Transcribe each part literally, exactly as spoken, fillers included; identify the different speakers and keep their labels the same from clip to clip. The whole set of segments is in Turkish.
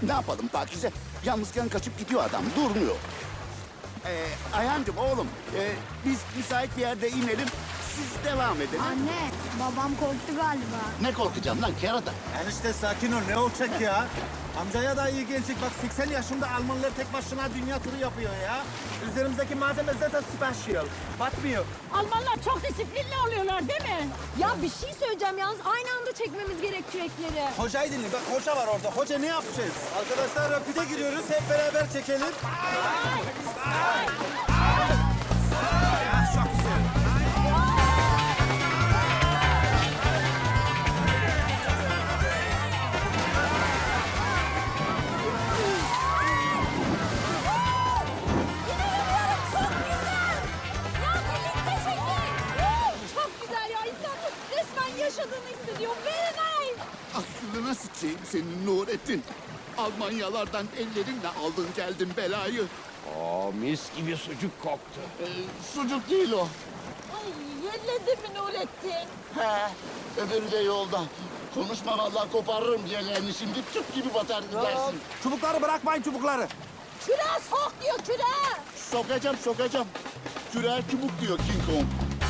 Speaker 1: Ne yapalım Pakize? Yalnızken kaçıp gidiyor adam, durmuyor. Ee, Ayhancığım oğlum, e, biz müsait bir yerde inelim, siz devam edin.
Speaker 2: Anne, babam korktu galiba.
Speaker 1: Ne korkacağım lan kerata?
Speaker 3: Enişte sakin ol, ne olacak ya? Amcaya da iyi gelecek. Bak seksen yaşında Almanlar tek başına dünya turu yapıyor ya. Üzerimizdeki malzeme zaten special. Batmıyor.
Speaker 4: Almanlar çok disiplinli oluyorlar değil mi?
Speaker 5: Ya bir şey söyleyeceğim yalnız aynı anda çekmemiz gerek kürekleri.
Speaker 3: Hocayı dinle. Bak hoca var orada. Hoca ne yapacağız? Arkadaşlar rapide giriyoruz. Hep beraber çekelim. Ya, çok güzel.
Speaker 5: Çok güzel ya insan resmen yaşadığını hissediyor. Very nice.
Speaker 1: Aklına sıçayım senin Nurettin. Almanyalardan ellerinle aldın geldin belayı.
Speaker 6: Aa, mis gibi sucuk koktu.
Speaker 1: Ee, sucuk değil o.
Speaker 4: Ay yerledi mi Nurettin?
Speaker 1: He, öbürü de yolda. Konuşma vallahi koparırım ciğerlerini şimdi, tüp gibi batar gidersin.
Speaker 3: Çubukları bırakmayın çubukları.
Speaker 4: Küreğe sok diyor küreğe.
Speaker 1: Sokacağım, sokacağım. Kürer çubuk diyor King Kong.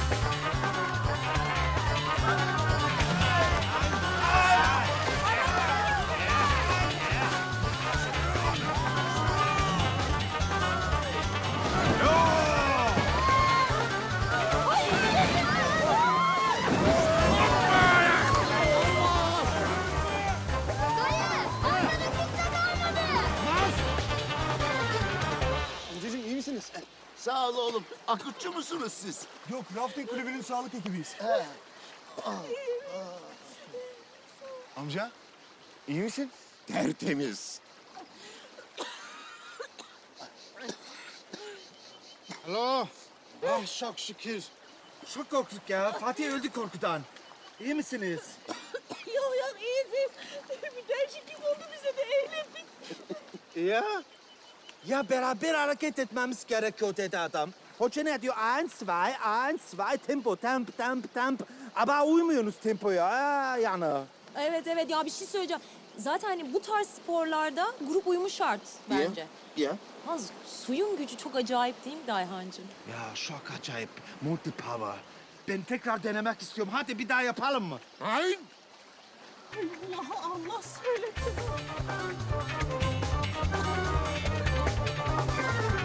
Speaker 3: Amcacığım iyi misiniz?
Speaker 1: Sağ ol oğlum. Akutçu musunuz siz?
Speaker 3: Yok, rafting kulübünün sağlık ekibiyiz. Amca, iyi misin?
Speaker 1: Tertemiz.
Speaker 3: Alo. Ah çok şükür. Çok korktuk ya. Fatih öldü korkudan. İyi misiniz?
Speaker 4: Yok yok iyiyiz. Bir değişiklik oldu bize de eğlendik.
Speaker 3: Ya. Ya beraber hareket etmemiz gerekiyor dedi adam. Hoca ne diyor? Eins, zwei, eins, zwei, tempo, temp, temp, temp. Ama uymuyorsunuz tempoya ha, yani.
Speaker 5: Evet evet ya bir şey söyleyeceğim. Zaten hani bu tarz sporlarda grup uyumu şart bence.
Speaker 1: Ya.
Speaker 5: Yalnız suyun gücü çok acayip değil mi Dayhancığım?
Speaker 3: Ya çok acayip. Multi power. Ben tekrar denemek istiyorum. Hadi bir daha yapalım mı?
Speaker 1: Hayır.
Speaker 4: Allah Allah söyletti.